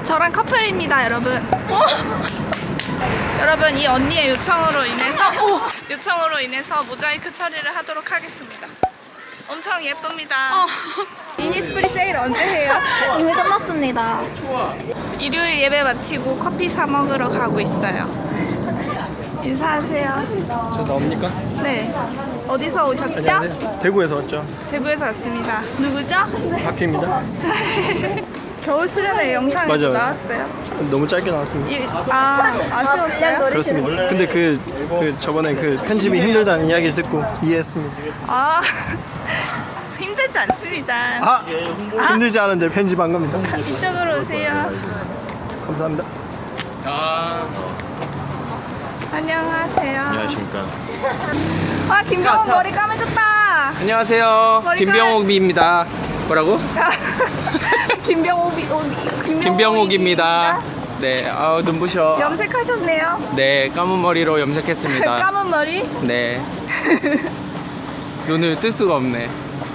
저랑 커플입니다, 여러분. 여러분, 이 언니의 요청으로 인해서 모자이크 처리를 하도록 하겠습니다. 엄청 예쁩니다. 이니스프리 세일 언제 해요? 이미 끝났습니다. 일요일 예배 마치고 커피 사 먹으러 가고 있어요. 인사하세요. 저 나옵니까? 네. 어디서 오셨죠? 안녕하세요. 대구에서 왔죠. 대구에서 왔습니다. 누구죠? 박희입니다. 겨울 수련회 영상이 맞아요. 나왔어요. 너무 짧게 나왔습니다. 아쉬웠어요? 그렇습니다. 근데 저번에 그 편집이 힘들다는 이야기를 듣고 이해했습니다. 힘들지 않습니다. 힘들지 않은데 편집한 겁니다. 이쪽으로 오세요. 감사합니다. 안녕하세요. 안녕하십니까. 김병욱 머리 까매졌다. 안녕하세요. 머리가- 김병옥입니다. 뭐라고? 김병옥입니다. 네, 눈부셔. 염색하셨네요. 네, 감은 머리로 염색했습니다. 까만 머리. 네. 눈을 뜰 수가 없네.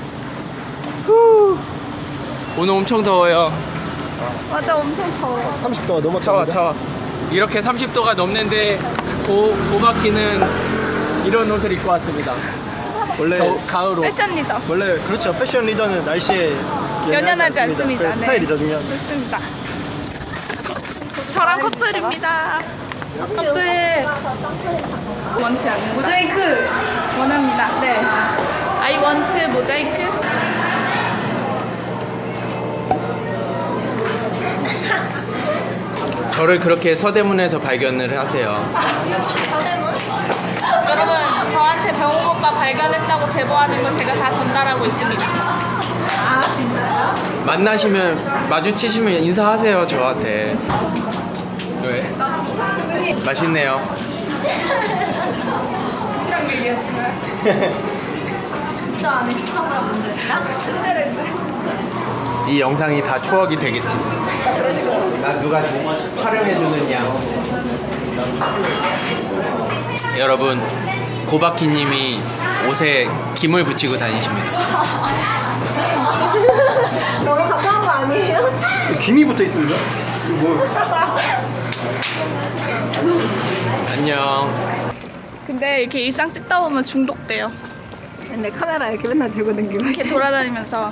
오늘 엄청 더워요. 맞아, 엄청 더워. 30도가 넘었다고. 차와. 이렇게 30도가 넘는데 고바키는 이런 옷을 입고 왔습니다. 원래 가을 옷. 패션 리더. 원래 그렇죠. 패션 리더는 날씨에 연연하지 않습니다. 그래서 스타일 네. 리더 중요하죠. 좋습니다. 저랑 커플입니다. 커플 원치 않는 모자이크 원합니다. 네. I want 모자이크. 저를 그렇게 서대문에서 발견을 하세요. 여러분, 저한테 병욱 오빠 발견했다고 제보하는 거 제가 다 전달하고 있습니다. 진짜요? 만나시면 마주치시면 인사하세요 저한테. 왜? 맛있네요. 누구랑 얘기하시나요? 저 안에 시청자분들이랑 친데레죠. 이 영상이 다 추억이 되겠지. 나 누가 촬영해주는 양. 여러분, 고바키님이 옷에 김을 붙이고 다니십니다. 너무 가까운 거 아니에요? 김이 붙어 있습니다. 안녕. 근데 이렇게 일상 찍다 보면 중독돼요. 근데 카메라 이렇게 맨날 들고 다니고 이렇게 돌아다니면서.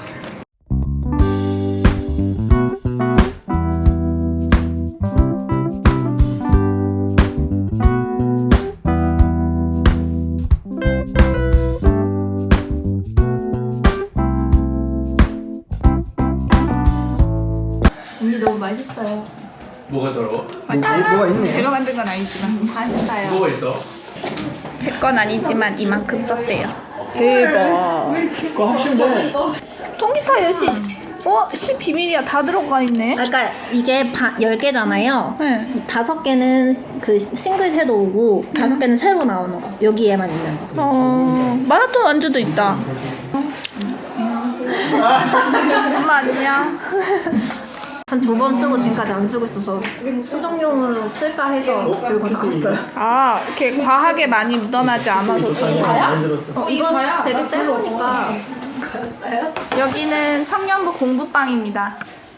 언니 너무 맛있어요. 뭐가 더러워? 뭐가 있네. 제가 만든 건 아니지만. 맛있어요. 뭐가 있어? 제 건 아니지만 이만큼 썼대요. 대박. 그거 합신데 통기타 여시. 시 비밀이야. 다 들어가 있네. 그러니까 이게 10개잖아요. 네. 5개는 그 싱글 섀도우고 5개는 새로 나오는 거. 여기에만 있는 거. 마라톤 완주도 있다. 엄마 안녕. 한 2번 쓰고 지금까지 안 쓰고 있어서 수정용으로 쓸까 해서 들고 나왔어요. 이렇게 과하게 많이 묻어나지 않아서 좋아요. 이거 되게 새 거니까. 여기는 청년부 공부방입니다.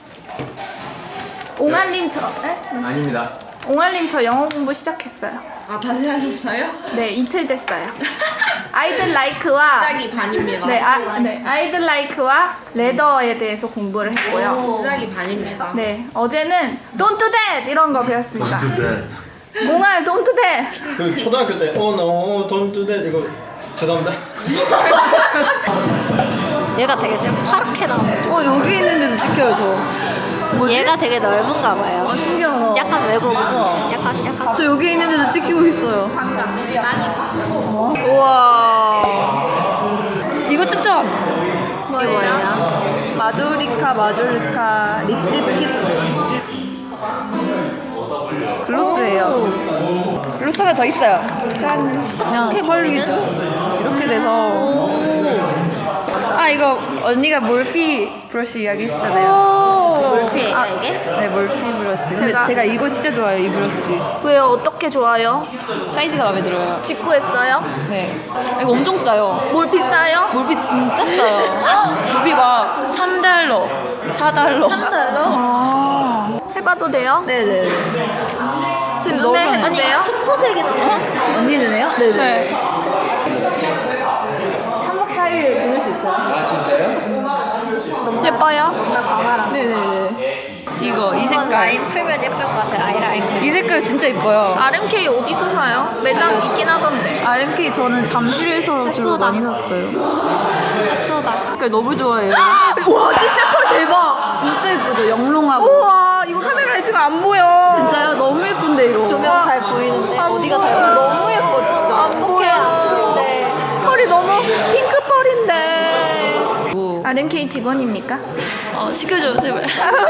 옹알님 아닙니다. 옹알님 저 영어 공부 시작했어요. 다시 하셨어요? 네, 이틀 됐어요. 아이들 라이크와 시작이 반입니다. 네, 아이들 라이크와 레더에 대해서 공부를 했고요. 시작이 반입니다. 네, 어제는 Don't do that 이런 거 배웠습니다. 옹알 Don't do that. 그 초등학교 때 no don't do that 이거 죄송합니다. 얘가 되게 지금 파랗게 나오죠. 여기 있는데도 찍혀요, 저. 얘가 되게 넓은가 봐요. 신기하다. 약간 외국인. 약간. 저 여기 있는데도 찍히고 있어요. 우와. 이거 추천! 이게 뭐예요? 마조리카 립딥 키스. 글로스예요. 글로스 하나 더 있어요. 짠. 그냥 펄이죠. 이렇게 돼서. 이거 언니가 몰피 브러쉬 이야기 했었잖아요. 몰피예요 이게? 네, 몰피 브러쉬. 근데 제가 이거 진짜 좋아해요, 이 브러쉬. 왜요? 어떻게 좋아요? 사이즈가 마음에 들어요. 직구했어요? 네. 이거 엄청 싸요. 뭘 비싸요? 몰피 진짜 싸요. 몰피 막 $3, $4. $3? 해봐도 돼요? 네네. 제 눈에 너무 해도 돼요? 초코색이던데? 언니 눈에요? 네네. 네. 3박 4일 보낼 수 있어요. 아 진짜요? 예뻐요? 네네네. 이거 이 이건 라인 색깔. 풀면 예쁠 것 같아. 아이라인. 이 색깔 진짜 이뻐요. RMK 어디서 사요? 매장 있긴 하던데. RMK 저는 잠실에서 주로 많이 샀어요. 예쁘다. 색깔 너무 좋아해요. 와 진짜 펄 대박. 진짜 예쁘죠? 영롱하고. 우와 이거 카메라에 지금 안 보여. 진짜요? 너무 예쁜데 이거. 조명 잘 보이는데 어디가 잘 보여. 보여? 너무 예뻐 진짜. 어떻게 안 보이는데? 펄이 너무 핑크 펄인데. 뭐. RMK 직원입니까? 시켜줘요 제발.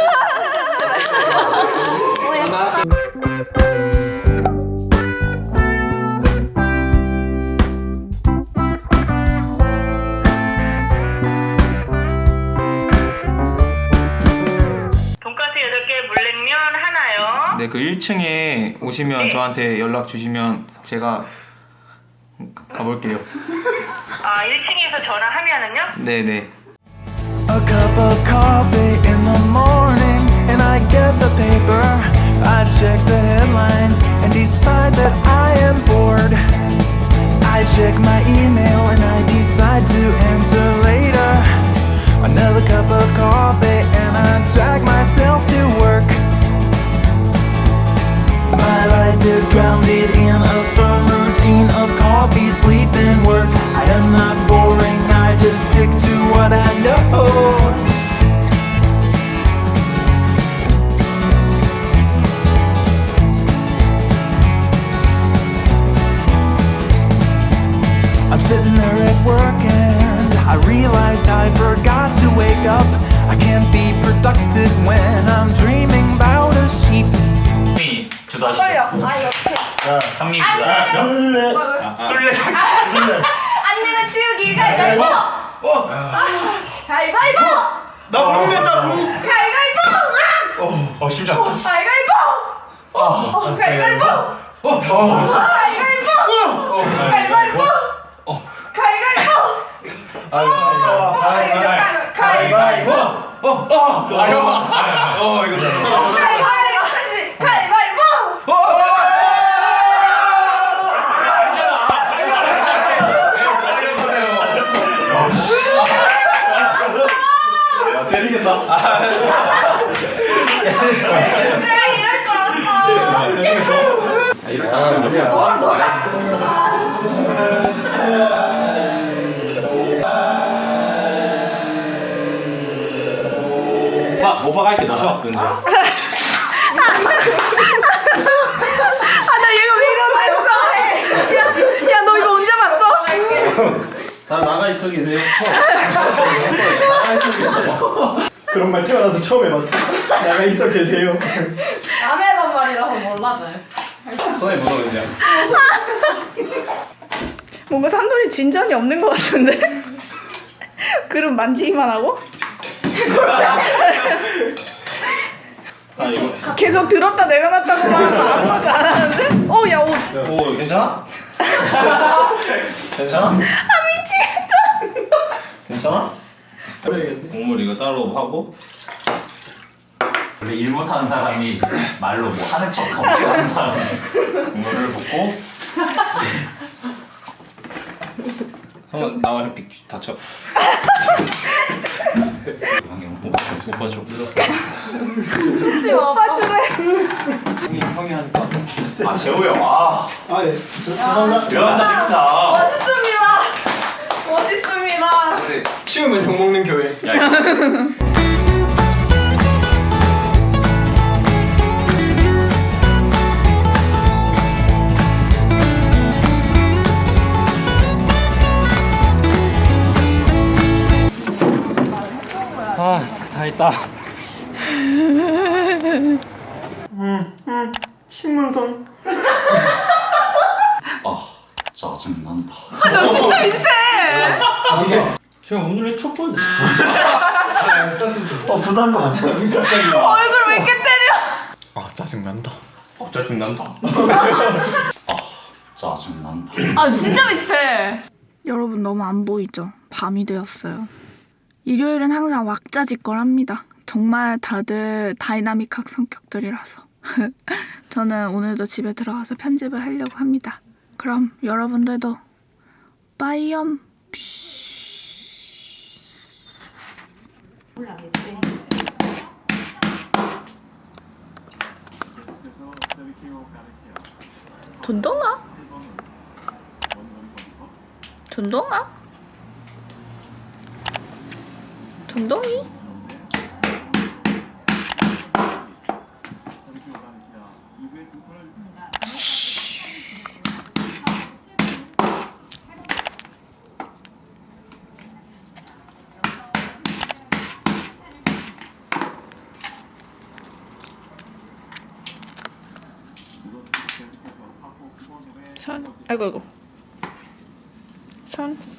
돈가스 8개, 물냉면 하나요. 네, 그 1층에 오시면 저한테 연락 주시면 제가 가볼게요. 아, 1층에서 전화하면은요? 네네. A cup of coffee in the morning, and I get the paper. I check the headlines and decide that I am bored. I check my email and I decide to answer later. Another cup of coffee and I drag myself to work. My life is grounded in a firm routine of coffee, sleep, and work. I am not boring, I just stick to what I know. I'm sitting there at work and I realized I forgot to wake up. I can't be productive when I'm dreaming about a sheep. 안 내면 치우기 가위바위보. 가위바위보. 나 모르겠다 무. 가위바위보. 심장. 가위바위보. 가위바위보. 가위바위보. 가위바위보. 가위바위보. 가위바위보. 가위바위보. 때리겠다. 내가 이럴 줄 알았어. 오빠가 할게 넣으셔. 아, 나 얘가 왜 이러나 야, 너 이거 언제 봤어? 다 나가 있어 계세요. 나가 있어 계세요. 그런 말 태어나서 처음 해봤어. 나가 있어 계세요. 안 해던 말이라서 몰라져요. 손에 묻어 이제. 뭔가 산돌이 진전이 없는 것 같은데? 그럼 만지기만 하고? 아 이거. 계속 들었다 내려놨다고만 하면서 아무것도 안 하는데? 야 옷. 오 괜찮아? 괜찮아? 미치겠다. 괜찮아? 국물 이거 따로 하고. 원래 일 못하는 사람이 말로 뭐 하는 척하고 하는 사람 국물을 붓고. 한번 나와 햇빛 다쳐. 오빠 줘. 솔직히 오빠 주네. 형이 하니까. 아 재호 형 아 아 예. 죄송합니다. 재밌다 멋있습니다. 멋있습니다. 치우면 욕 먹는 교회. 다 했다. 신문선. 짜증난다 저 진짜 비슷해. 제가 오늘의 첫 번째. 부담감. 얼굴 왜 이렇게 때려? 짜증난다. 짜증난다 아 진짜 비슷해. 여러분 너무 안 보이죠? 밤이 되었어요. 일요일은 항상 왁자지껄합니다. 정말 다들 다이나믹한 성격들이라서 저는 오늘도 집에 들어가서 편집을 하려고 합니다. 그럼 여러분들도 빠이염. 돈동아? 돈동아? 돈동이? 손, 아이고. 손.